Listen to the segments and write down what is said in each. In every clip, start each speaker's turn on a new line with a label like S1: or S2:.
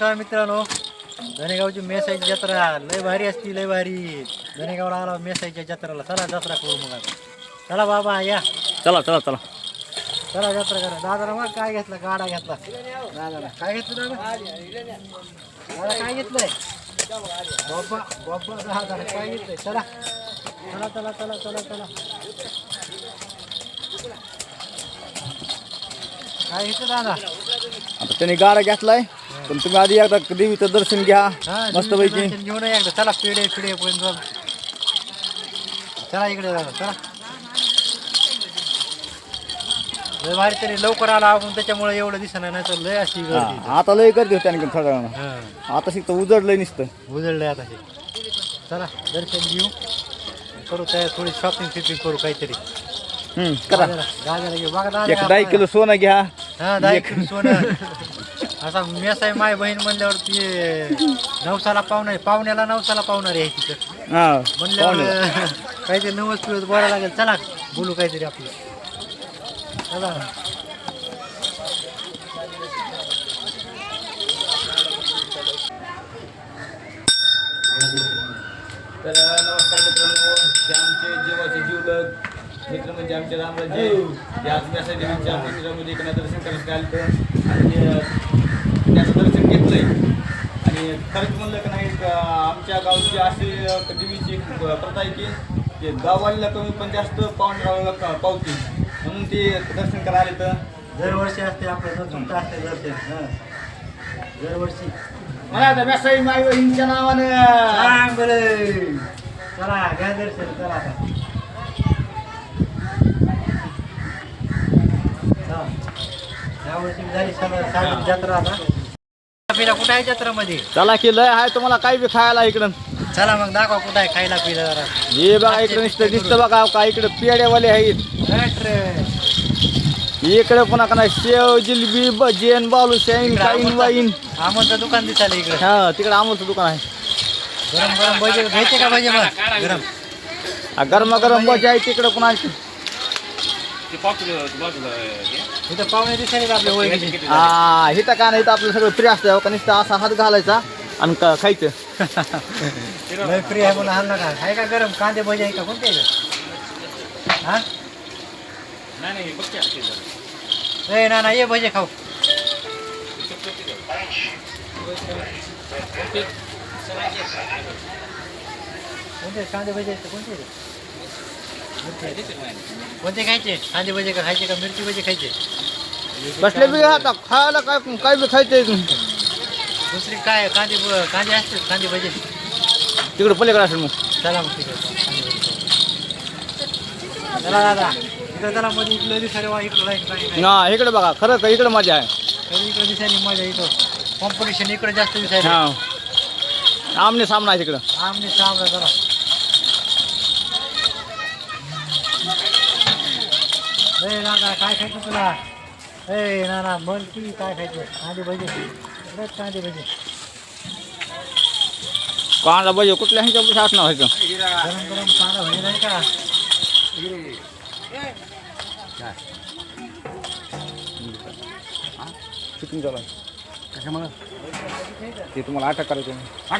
S1: नमस्कार मित्रांनो, धनेगावची मेसाईची जत्रा लय भारी असती, लय भारी. धनेगावला आला मेसाईच्या जत्राला. चला जत्रा करू मग आता. चला बाबा या,
S2: चला चला चला
S1: चला जत्रा करा. दादाला मग काय घेतलं? गाडा घेतला दादाला. काय घेतलं दादा? दादा काय घेतलंय? बाबा बाबा दादा काय घेतलंय? चला चला चला चला चला चला. काय घेतलं दादा?
S2: आता त्याने गाडा घेतलाय, पण तुम्ही आधी एकदा देवीचं दर्शन घ्या मस्त पैकी.
S1: घेऊन एकदा चला. पिढे पिढे पण चला इकडे दादा. चला लय भारी. तरी लवकर आला आपण त्याच्यामुळे एवढं दिसणार, नाही तर लय अशी गर्दी.
S2: आता लय गर्दी होती आणखी थोड्या वेळानं. आता शिकतं उजडलंय नुसतं.
S1: उजळलंय आता हे. चला दर्शन घेऊ, करू तयार. थोडी शॉपिंग फिपिंग करू काहीतरी.
S2: करा.
S1: दादाला घेऊ बघा दादा.
S2: एक 10 किलो सोनं घ्या.
S1: हा 10 किलो सोनं. असा मेस आहे माय बहीण म्हणल्यावर ती नवसाला पाहुणा, पाहुण्याला नवसाला पाहुणार आहे तिथं म्हणल्यावर काहीतरी नवस पिवस बोलायला लागेल. चला बोलू काहीतरी आपलं. चला
S2: तर नमस्कार मित्रांनो, हे आमचे जीवाचे जीवलग मित्र म्हणजे आमचे रामराजे. आज मेसा देवीच्या मंदिरामध्ये इकडे दर्शन करायला आलं आणि त्याचं दर्शन घेतलंय. आणि खरंच म्हणलं की नाही, आमच्या गावची अशी देवीची प्रथा आहे की गाववालीला कमी पण जास्त पाहुणे पावती, म्हणून ते दर्शन करायला आले. तर
S1: दरवर्षी असते आपलं तुमचं असते दर्शन. दरवर्षी
S2: मला आता मेसाई माई बहिणीच्या नावानं
S1: सांग बरं. चला घ्या दर्शन. चला आता यावर्षी झाली सगळं जत्रा. आता पिला कुठं आहे जत्रामध्ये?
S2: चला की लय आहे तुम्हाला काही बी खायला इकडं.
S1: चला मग दाखवा कुठं आहे खायला पिला जरा.
S2: हे बघा इकडे नुसतं दिसतं बघा का, इकडे पेड्यावाले आहेत. इकडे पुन्हा का नाही शेव जिलबी भजीन बालूशाहीन काईन वाईन.
S1: आमचं दुकान दिसायला इकडे.
S2: हा तिकडे आमचं दुकान आहे.
S1: गरम गरम भजे घ्यायचे का? भजे मग गरम
S2: गरमागरम भजी आहे तिकडे पुन्हा.
S1: इथं पाहुणे दिसायला का आपल्या ओळखीचे?
S2: हा इथं का नाही, इथं आपलं सगळं फ्री असतं का, नुसतं असा हात घालायचा आणि खायचं.
S1: लय फ्री आहे म्हणून आणलं का? आहे का गरम कांदे भजे आहे का? कोणते आहे? हा नाही ना ये भजे खाऊ. कोणते कांदे भजे आहेत? कोणते कोणते खायचे? कांदे भजे का खायचे का मिरची भजे खायचे?
S2: बसले बी आता खायला काय काय बी खायचंय.
S1: दुसरी काय कांदे कांदे असते कांदे भजे
S2: तिकडे पलीकडे असेल मग.
S1: चला मग तिकडे. चला दादा इकडे चला. मध्ये इकडे दिसायला वा इकडं लाईट
S2: हा इकडे बघा, खरं का इकडे मजा आहे.
S1: तरी इकडे दिसायला मजा. इथं कॉम्पिटिशन इकडे जास्त दिसायला.
S2: हा आमने सामना आहे तिकडं.
S1: आमने सामना. चला ए दादा काय खायचं तुला? ए ना मन की काय खायचं? कांदे भजे. कांदे भजे
S2: कांदा भजी कुठल्या ह्याच्या साथ ना व्हायचं.
S1: गरम गरम कांदा भजे नाही का?
S2: शूटिंग चालू आहे कशामुळे ते तुम्हाला अटक करायचं.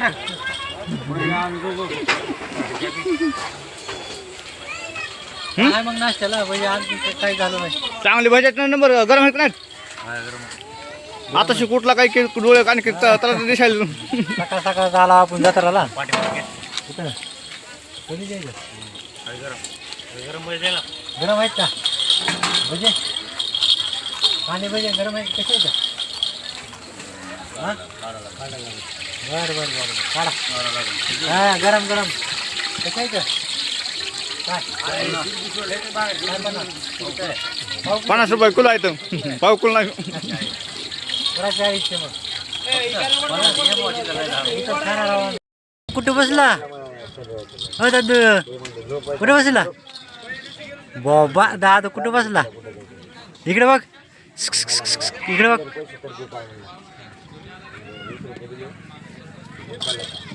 S1: काय मग नाश्त्याला भजे आणखी काही झालं नाही.
S2: चांगले भज्याचा नंबर गरम आहेत का नाही? आता कुठला काही डोळे आणखी त्याला दिसायला.
S1: सकाळ सकाळ झाला आपण जत्राला. कुठं कधी जायचं? गरम भजे गरम आहेत का भजे? कांदे भजे गरम आहेत कसे आहेत? हां बरं बरं बरं काढा. हां गरम गरम कसे आहेत? काय
S2: 50 रुपये किलो आहे. पाव किलो नाही.
S1: कुठं बसला? हो दादू कुठं बसला? बाबा दादा कुठं बसला? इकडे बघ. इकडे बघ.